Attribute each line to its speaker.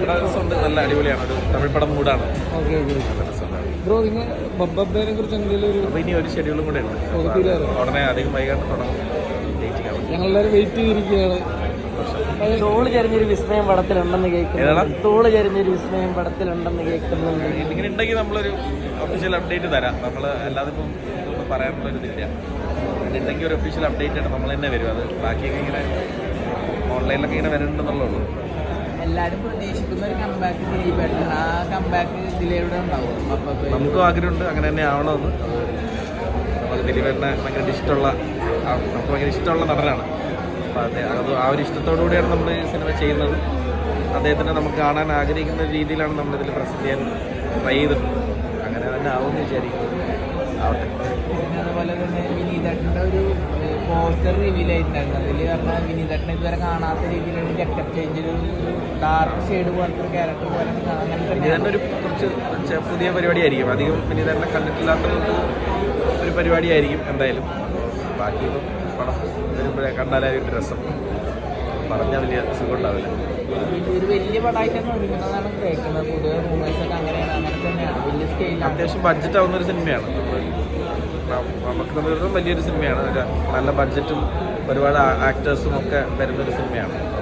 Speaker 1: രസമുണ്ട്, നല്ല അടിപൊളിയാണ്. ഒരു തമിഴ് പടം മൂടാണ്.
Speaker 2: Okay okay. ബ്രോ നിങ്ങൾ ബബ്ബേനെ കുറിച്ച് എന്തെങ്കിലും ഒരു
Speaker 1: അപ്പോൾ ഇനി ഒരു ഷെഡ്യൂളും കൂടെ ഉണ്ട്. ഉടനെ അധികം വൈകാണ്ട് തുടങ്ങും.
Speaker 2: ഞങ്ങളെല്ലാവരും വെയിറ്റ് ചെയ്തിരിക്കുകയാണ്.
Speaker 3: തോള് ചരിഞ്ഞൊരു വിസ്മയം പടത്തിലുണ്ടെന്ന് കേൾക്കുന്നു. തോള് ചരിഞ്ഞൊരു വിസ്മയം പടത്തിലുണ്ടെന്ന് കേൾക്കുന്നുണ്ട്.
Speaker 1: ഇങ്ങനെ ഉണ്ടെങ്കിൽ നമ്മളൊരു ഒഫീഷ്യൽ അപ്ഡേറ്റ് തരാം. നമ്മൾ അല്ലാതെ ഇപ്പം ഒന്നും പറയാനുള്ളൊരിതില്ല. ഉണ്ടെങ്കിൽ ഒരു ഒഫീഷ്യൽ അപ്ഡേറ്റ് ആണ് നമ്മൾ തന്നെ വരും. അത് ബാക്കിയൊക്കെ ഇങ്ങനെ ഓൺലൈനിലൊക്കെ ഇങ്ങനെ വരുന്നുണ്ടെന്നുള്ളൂ.
Speaker 3: എല്ലാവരും പ്രതീക്ഷിക്കുന്ന ഒരു കംബാക്ക് ദിലീപേട്ടൻ. ആ കംബാക്ക് ഇതിലൂടെ ഉണ്ടാവും.
Speaker 1: നമുക്കും ആഗ്രഹമുണ്ട് അങ്ങനെ തന്നെ ആവണമെന്ന്. നമുക്ക് ദിലീപേട്ടനെ ഭയങ്കര ഇഷ്ടമുള്ള, നമുക്ക് ഭയങ്കര ഇഷ്ടമുള്ള നടനാണ്. അപ്പോൾ അത് ആ ഒരു ഇഷ്ടത്തോടു കൂടിയാണ് നമ്മൾ ഈ സിനിമ ചെയ്യുന്നത്. അദ്ദേഹത്തിനെ നമുക്ക് കാണാൻ ആഗ്രഹിക്കുന്ന രീതിയിലാണ് നമ്മളിതിൽ പ്രസൻറ്റ് ചെയ്യാൻ ട്രൈ ചെയ്തിട്ടുണ്ട്. അങ്ങനെ തന്നെ ആവുമെന്ന് വിചാരിക്കുന്നു. ആവട്ടെ.
Speaker 3: അതുപോലെ തന്നെ വിനീതേട്ടൻ്റെ ഒരു പോസ്റ്റർ റിവീൽ ആയിട്ടുണ്ടായിരുന്നു. അതിൽ പറഞ്ഞാൽ വിനീതേട്ടനെ ഇതുവരെ കാണാത്ത രീതിയിലുള്ള ജക്കറ്റ് ചേഞ്ച്, ഒരു ഡാർക്ക് ഷെയ്ഡ് പോലത്തെ ഒരു ക്യാരക്ടർ പോലെ
Speaker 1: വിനീതേട്ടൻ ഒരു കുറച്ച് പുതിയ പരിപാടിയായിരിക്കും. അധികം വിനീതേട്ടനെ കണ്ടിട്ടില്ലാത്തതുകൊണ്ട് ഒരു പരിപാടിയായിരിക്കും എന്തായാലും. ബാക്കി പടം വരുമ്പോഴേ കണ്ടാലായിട്ട് രസം, പറഞ്ഞാൽ വലിയ സുഖം ഉണ്ടാവില്ല.
Speaker 3: ഒരു വലിയ പടമായിട്ടാണ് ഒരുങ്ങുന്നതാണ് കേൾക്കുന്നത്. പൊതുവെ മൂവീസൊക്കെ അങ്ങനെയാണ്, അങ്ങനെ തന്നെയാണ്. വലിയ സ്കെയിലാണ്,
Speaker 1: അത്യാവശ്യം ബഡ്ജറ്റ് ആവുന്നൊരു സിനിമയാണ്. നമുക്ക് വലിയൊരു സിനിമയാണ്. നല്ല ബഡ്ജറ്റും ഒരുപാട് ആക്ടേഴ്സും ഒക്കെ വരുന്നൊരു സിനിമയാണ്.